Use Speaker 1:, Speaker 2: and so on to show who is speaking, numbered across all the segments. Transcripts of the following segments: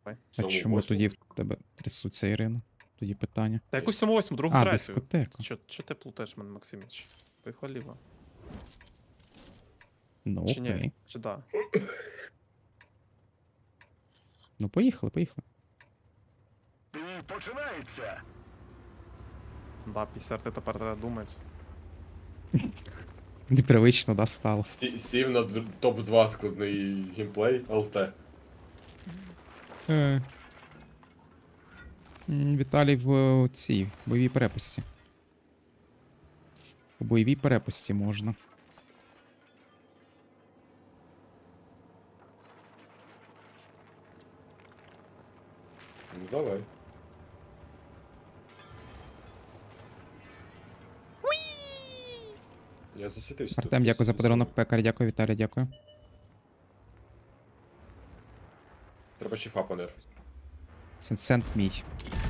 Speaker 1: А чому тоді в тебе трясуться, Ірина? Тоді питання.
Speaker 2: Та якусь 7-8, другу,
Speaker 1: А,
Speaker 2: третю.
Speaker 1: дискотеку.
Speaker 2: Чо ти плутаєш мене, Максиміч? Поїхали ліво.
Speaker 1: Ну,
Speaker 2: Чи ні?
Speaker 1: окей.
Speaker 2: Чи да?
Speaker 1: Ну, поїхали, поїхали.
Speaker 3: Бій починається.
Speaker 2: Да, після ти тепер треба думати.
Speaker 1: Непривично, да, стало.
Speaker 4: Сів на топ-2 складний геймплей, ЛТ.
Speaker 1: Віталій в цій бойовій перепустці. У бойовій перепустці можна.
Speaker 4: Ну давай. Я засвітився.
Speaker 1: Артем, дякую за подарунок. Пекар, дякую, Віталій, дякую.
Speaker 4: Треба чифа понерфити.
Speaker 1: Це цент мій.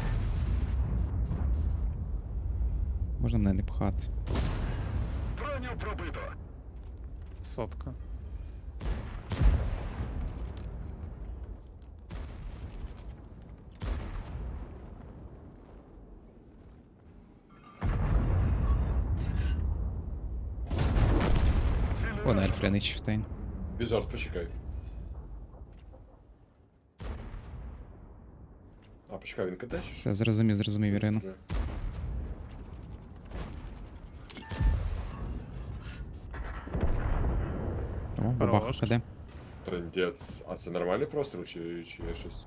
Speaker 1: Можна мене не пхати.
Speaker 3: Броню пробито.
Speaker 2: Сотка.
Speaker 1: О, на Ельфренич Чифтейн.
Speaker 4: Візорд, почекай. А, почекай, він кидає?
Speaker 1: Все, зрозумів, Ірину. О, бабаха
Speaker 2: Хорош.
Speaker 1: КД.
Speaker 4: Трендець. А це нормальний простріл чи є щось?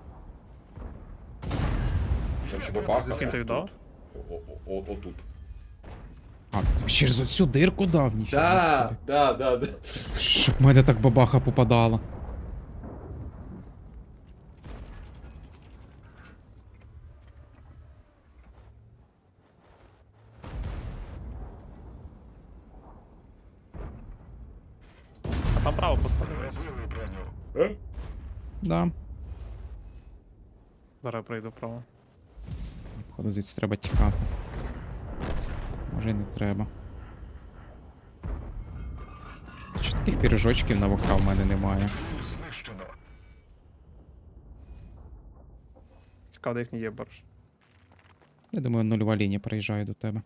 Speaker 4: Там ще
Speaker 3: Є
Speaker 4: бабаха.
Speaker 2: З ким ти віддав?
Speaker 4: Отут.
Speaker 1: А, через оцю дирку дав, ніфіга собі.
Speaker 4: Да.
Speaker 1: Щоб в мене так бабаха попадала.
Speaker 2: А там право поставилось.
Speaker 3: Пробили броню.
Speaker 1: Да.
Speaker 2: Зараз я прийду право.
Speaker 1: Походу звідси треба тікати. Може і не треба. Чи таких пірожочків на ВК в мене немає?
Speaker 3: Ціль знищено.
Speaker 2: Цікаво, де їхній є борж.
Speaker 1: Я думаю, нульова лінія приїжджає до тебе.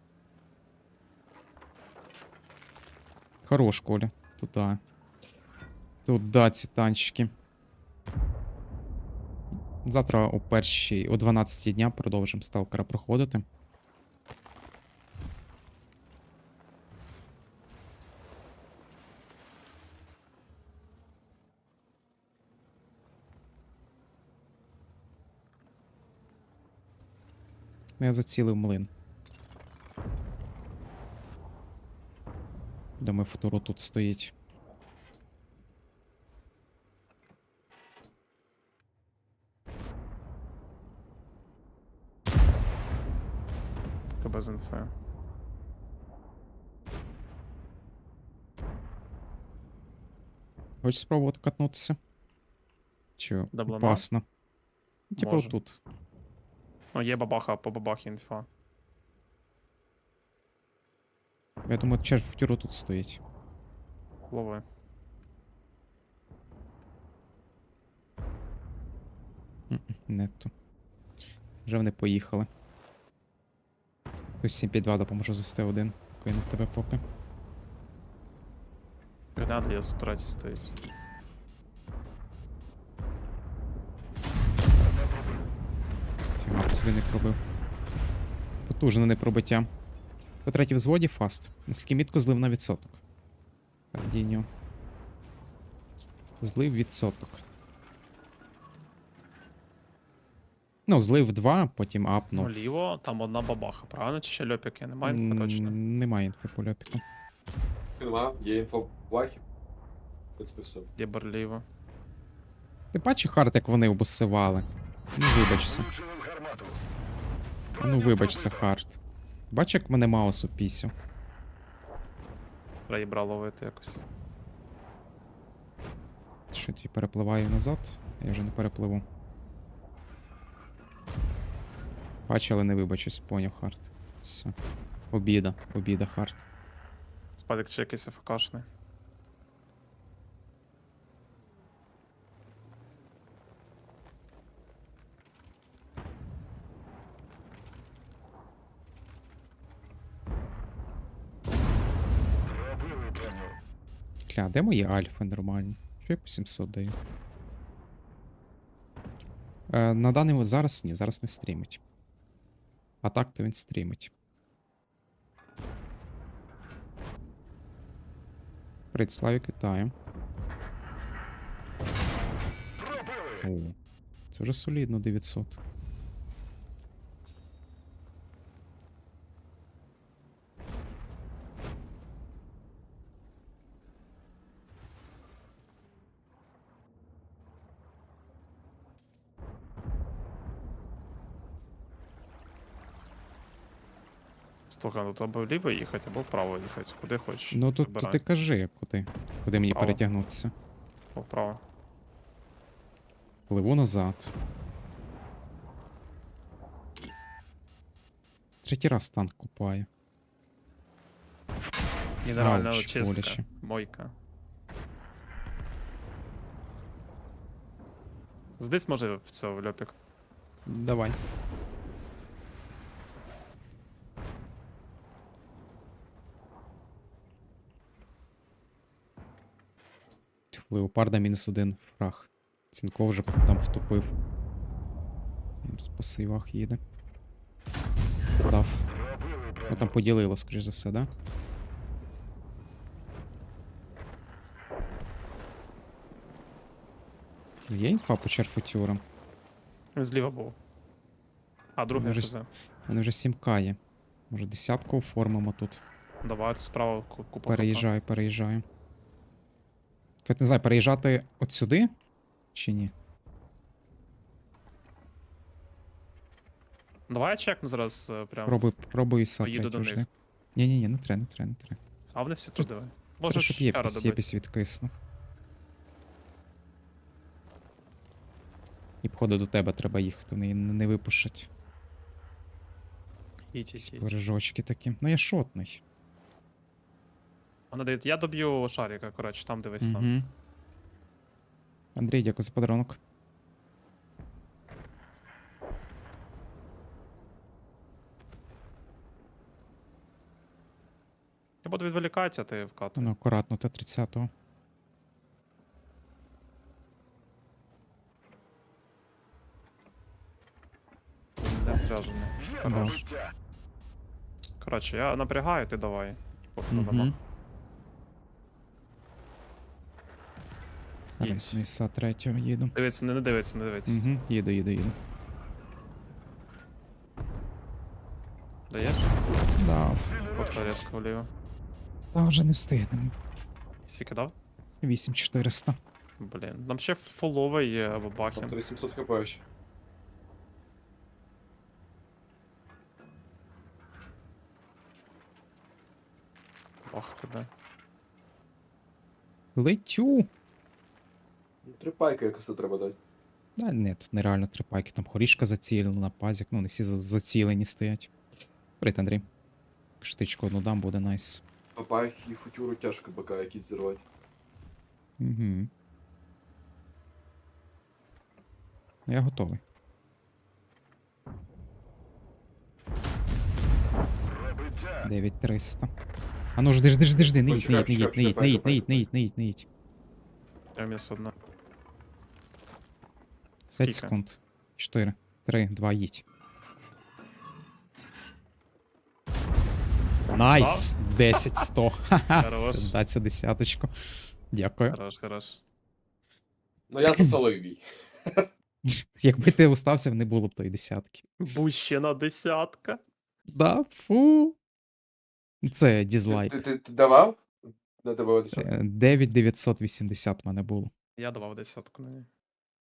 Speaker 1: Хорош, Коля. Туда. Туда ці танчики. Завтра о 12 дня продовжимо сталкера проходити. Я зацілив млин. Думаю, футуру тут стоїть.
Speaker 2: Без інфи.
Speaker 1: Хочеш спробувати катнутися? Чи
Speaker 2: Даблона?
Speaker 1: опасно? Типа
Speaker 2: Може.
Speaker 1: отут.
Speaker 2: Ну, є бабаха, по бабахі інфа.
Speaker 1: Я думаю, червь футуру тут стоїть.
Speaker 2: Лови.
Speaker 1: Нетто. Вже вони поїхали. Хтось 7-5-2 допоможу за Т1. Кинув тебе поки.
Speaker 2: Граната є субтраті стоїть.
Speaker 1: Фімап свини пробив. Потужне непробиття. По третій взводі фаст. Наскільки мітко злив на відсоток. Радіньо. Злив відсоток. Ну, злив 2, потім апнув.
Speaker 2: Ну, ліво, там одна бабаха, правильно? Чи ще льопіки? Немає інфи точно.
Speaker 1: Немає інфи по ляпіку.
Speaker 4: Нема, є інфо в бахі. В принципі, все.
Speaker 2: Є берліво.
Speaker 1: Ти бачив, Харт, як вони обоссивали? Ну, вибачся.
Speaker 3: Влучили в гармату.
Speaker 1: Ну, вибачся, Харт. Бач, як мене маус упісів.
Speaker 2: Треба їбра ловити якось.
Speaker 1: Що я перепливаю назад? Я вже не перепливу. Бачу, але не вибачусь, поняв, Харт. Все. Обіда, Харт.
Speaker 2: Спадик чи якийсь АФКшний.
Speaker 1: Бля, де мої альфи нормальні? Що я по 700 даю? На даний зараз ні, зараз не стрімить. А так то він стрімить. Привіт, Славік, вітаю.
Speaker 3: Пробили.
Speaker 1: О, це вже солідно 900.
Speaker 2: Слухай, ну то або вліво їхати, або вправо їхати. Куди хочеш.
Speaker 1: Ну тут
Speaker 2: Вибирай.
Speaker 1: ти кажи, куди мені
Speaker 2: Право.
Speaker 1: перетягнутися.
Speaker 2: Або вправо.
Speaker 1: Пливу назад. Третій раз танк купаю.
Speaker 2: Мінеральна
Speaker 1: Ауч,
Speaker 2: очистка.
Speaker 1: боляче.
Speaker 2: Мойка. Здесь може в цього в льопік.
Speaker 1: Давай. В Леопарда -1 фраг. Цінков вже там втопив. Він тут по сейвах їде. Дав.
Speaker 3: Пробили,
Speaker 1: Ну
Speaker 3: брату.
Speaker 1: там поділило, скоріш за все, да? Є інфа по черфутюрам?
Speaker 2: Він зліва був. А, другий
Speaker 1: Може,
Speaker 2: ФЗ.
Speaker 1: Вони вже 7К є. Може десятку оформимо тут.
Speaker 2: Давай справа купа.
Speaker 1: Переїжджаю. Я не знаю, переїжджати от сюди? Чи ні?
Speaker 2: Давай я чекну зараз прям.
Speaker 1: Пробую і сад
Speaker 2: Поїду до
Speaker 1: жди.
Speaker 2: них.
Speaker 1: Ні, не треба.
Speaker 2: А вони всі тут давай. Може
Speaker 1: Треба, щоб
Speaker 2: ще рада
Speaker 1: Єпіс відкиснув. І походу до тебе треба їхати, вони не випушать.
Speaker 2: Їдь.
Speaker 1: Бережочки такі. Ну я шотний.
Speaker 2: Вона дає. Я доб'ю шарика, коротше, там дивись сам.
Speaker 1: Угу. Андрій, дякую за подарунок.
Speaker 2: Я буду відволікатися, ти вкатуй.
Speaker 1: Ну, акуратно, Т-30.
Speaker 2: Не зв'яжений.
Speaker 3: Є
Speaker 1: Да.
Speaker 3: пробиття.
Speaker 2: Коротше, я напрягаю, ти давай. Походу
Speaker 1: Угу.
Speaker 2: нема. Їдь.
Speaker 1: Зараз на ІСа 3 їду.
Speaker 2: Дивиться, не дивиться.
Speaker 1: Угу. Їду.
Speaker 2: Даєш?
Speaker 1: Дав.
Speaker 2: От резко вліво.
Speaker 1: Та вже не встигнемо.
Speaker 2: Скільки дав?
Speaker 1: 8400.
Speaker 2: Блін. Там ще фуловий є або
Speaker 4: Там
Speaker 2: бахін.
Speaker 4: 3700 хп ще.
Speaker 2: Бах, куди.
Speaker 1: Летю!
Speaker 4: Ну, 3 пайки якось треба дати.
Speaker 1: Да, ні, тут нереально 3 пайки. Там хорішка зацілена, пазік. Ну, не всі зацілені стоять. Привіт, Андрій. Штичку одну дам, буде найс.
Speaker 4: А пайки і футюру тяжко БК якісь зірвати.
Speaker 1: Угу. Я готовий.
Speaker 3: Пробиття.
Speaker 1: 9300. А ну жди, не
Speaker 4: Ой,
Speaker 1: їдь,
Speaker 4: чекай,
Speaker 1: не їдь.
Speaker 2: Я міс одна.
Speaker 1: 5 секунд. 4, 3, 2, їдь. Найс! 10-100. Ха-ха.
Speaker 2: Хорош.
Speaker 1: Сюда цю десяточку. Дякую.
Speaker 2: Хорош.
Speaker 4: Ну я засолив бій.
Speaker 1: Якби ти остався, не було б тої десятки.
Speaker 2: Бущена десятка.
Speaker 1: Да, фу. Це дізлайк.
Speaker 4: Ти давав? На тебе 10.
Speaker 1: 9980 в мене було.
Speaker 2: Я давав десятку на ній.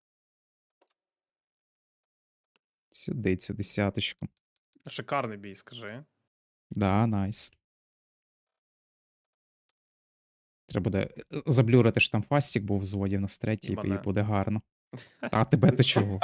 Speaker 1: Сюди цю десяточку.
Speaker 2: Шикарний бій, скажи.
Speaker 1: Да, найс. Треба буде заблюрити, що там фастік був в зводі в нас третій,
Speaker 2: І
Speaker 1: і
Speaker 2: мене.
Speaker 1: буде гарно. А тебе то чого?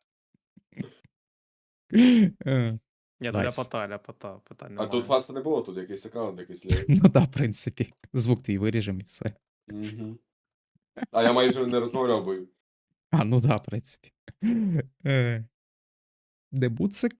Speaker 2: Ні, ну
Speaker 1: Найс.
Speaker 2: ляпота, питань
Speaker 4: А
Speaker 2: немає.
Speaker 4: тут фаста не було, тут якийсь аккаунт якийсь лівий.
Speaker 1: Ну так, в принципі. Звук твій виріжемо і все.
Speaker 4: Мгм. А я майже не розмовляв, бо
Speaker 1: А, ну да, в принципі. Дебут це